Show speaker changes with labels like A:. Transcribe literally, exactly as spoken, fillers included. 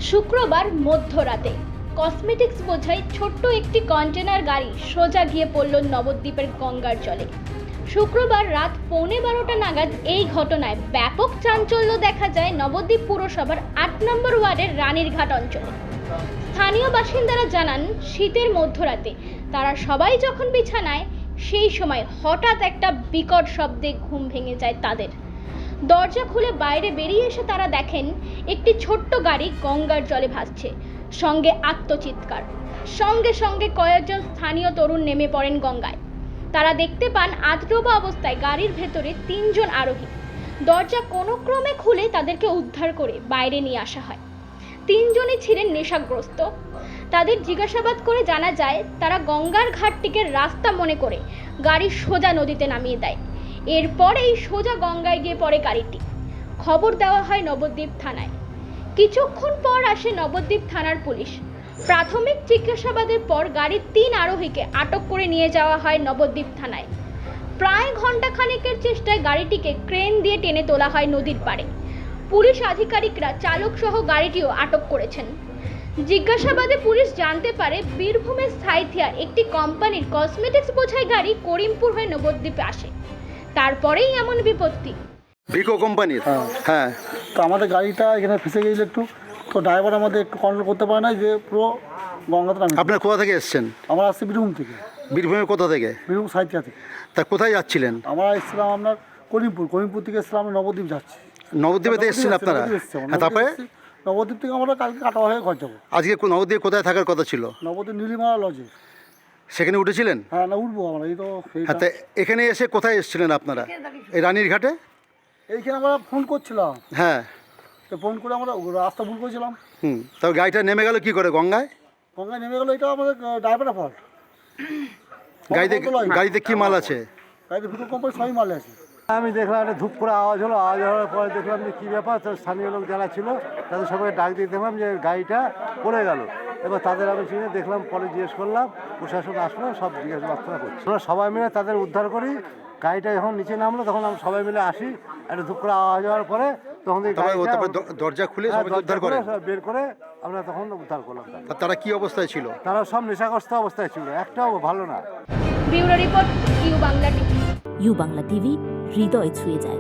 A: শুক্রবার মধ্যরাতে কসমেটিক্স বোঝাই ছোট্ট একটি কন্টেনার গাড়ি সোজা গিয়ে পড়ল নবদ্বীপের গঙ্গার জলে। শুক্রবার রাত পৌনে বারোটা নাগাদ এই ঘটনায় ব্যাপক চাঞ্চল্য দেখা যায় নবদ্বীপ পুরসভার আট নম্বর ওয়ার্ডের রানীরঘাট অঞ্চলে। স্থানীয় বাসিন্দারা জানান, শীতের মধ্যরাতে তারা সবাই যখন বিছানায়, সেই সময় হঠাৎ একটা বিকট শব্দে ঘুম ভেঙে যায় তাদের। দরজা খুলে বাইরে বেরিয়ে এসে তারা দেখেন একটি ছোট্ট গাড়ি গঙ্গার জলে ভাসছে, সঙ্গে আত্মচিৎকার। সঙ্গে সঙ্গে কয়েকজন স্থানীয় তরুণ নেমে পড়েন গঙ্গায়। তারা দেখতে পান আধডোবা অবস্থায় গাড়ির ভেতরে তিনজন আরোহী। দরজা কোনো ক্রমে খুলে তাদেরকে উদ্ধার করে বাইরে নিয়ে আসা হয়। তিনজনই ছিলেন নেশাগ্রস্ত। তাদের জিজ্ঞাসাবাদ করে জানা যায়, তারা গঙ্গার ঘাটটিকে রাস্তা মনে করে গাড়ি সোজা নদীতে নামিয়ে দেয়। এরপরেই সোজা গঙ্গায় গিয়ে পড়ে গাড়িটি। খবর দেওয়া হয় নবদ্বীপ থানায়। কিছুক্ষণ পর আসে নবদ্বীপ থানার পুলিশ। প্রাথমিক জিজ্ঞাসাবাদের পর গাড়ির তিন আরোহীকে আটক করে নিয়ে যাওয়া হয় নবদ্বীপ থানায়। প্রায় ঘন্টা খানেকের চেষ্টায় গাড়িটিকে ক্রেন দিয়ে টেনে তোলা হয় নদীর পাড়ে। পুলিশ আধিকারিকরা চালক সহ গাড়িটিও আটক করেছেন। জিজ্ঞাসাবাদে পুলিশ জানতে পারে, বীরভূমের সাইথিয়ার একটি কোম্পানির কসমেটিক্স বোঝাই গাড়ি করিমপুর হয়ে নবদ্বীপে আসে। তারপরেই এমন বিপত্তি।
B: ভিকো কোম্পানির। হ্যাঁ,
C: তো আমাদের গাড়িটা এখানে ফেসে গিয়েছিল একটু, তো ড্রাইভার আমাদের একটু কন্ট্রোল করতে পারে না, যে পুরো গঙ্গাতে নামে।
B: আপনার কোথা থেকে এসেছেন?
C: আমরা আসছি বীরভূম থেকে।
B: বীরভূমের কোথা থেকে?
C: বীরভূম সাইথিয়া থেকে।
B: তা কোথায় যাচ্ছিলেন?
C: আমরা এসেছিলাম আপনার করিমপুর। করিমপুর থেকে এসেছিলাম আমরা নবদ্বীপ যাচ্ছি।
B: নবদ্বীপেতে এসেছেন আপনারা? হ্যাঁ, তারপরে
C: নবদ্বীপ থেকে আমরা কালকে কাটা হয়ে ঘর যাবো।
B: আজকে কো- নবদ্বীপে কোথায় থাকার কথা ছিল?
C: নবদ্বীপ নীলিমালা লজে।
B: সেখানে উঠেছিলেন?
C: হ্যাঁ, না উঠবো আমরা। এই তো
B: হ্যাঁ, তা এখানে এসে কোথায় এসেছিলেন আপনারা? এই রানীর ঘাটে?
C: এইখানে আমরা ফোন করছিলাম,
B: হ্যাঁ।
C: তো ফোন করে আমরা রাস্তা ভুল করেছিলাম।
B: হুম, তবে গাড়িটা নেমে গেল কি করে গঙ্গায়?
C: গঙ্গায় নেমে গেলো, এটা আমাদের ড্রাইভারের ফল্ট।
B: গাড়িতে গাড়িতে কি মাল আছে?
C: গাড়িতে ভিকো কোম্পানি সবই মাল আছে।
D: আমি দেখলাম একটা ধূপ করে আওয়াজ হলো। আওয়াজ হওয়ার পরে দেখলাম যে কী ব্যাপার। তো স্থানীয় লোক যারা ছিল তাদের সবাই ডাক দিয়ে দেখলাম যে গাড়িটা পড়ে গেল। এবার তাদের আমি চিনে দেখলাম, পরে জিজ্ঞেস করলাম, প্রশাসন আসলো, সব জিজ্ঞাসাবাদ করছি। আমরা সবাই মিলে তাদের উদ্ধার করি। গাড়িটা যখন নিচে নামলো তখন আমরা সবাই মিলে আসি। একটা ধূপ করে আওয়াজ হওয়ার পরে তখন এই
B: তারপরে
D: গাড়িটা-
B: তারপরে দ- দরজা খুলে
D: হ্যাঁ,
B: সবাই
D: দরজা
B: উদ্ধার
D: খুলে
B: করেন?
D: সব বের করে আমরা তখন উদ্ধার করলাম তাদের।
B: তা তারা কি অবস্থায় ছিল?
D: তারা সব নেশাগ্রস্ত অবস্থায় ছিল, একটাও ভালো না।
A: Bureau report, U Bangla TV.
E: U Bangla TV, হৃদয় ছুঁয়ে যায়।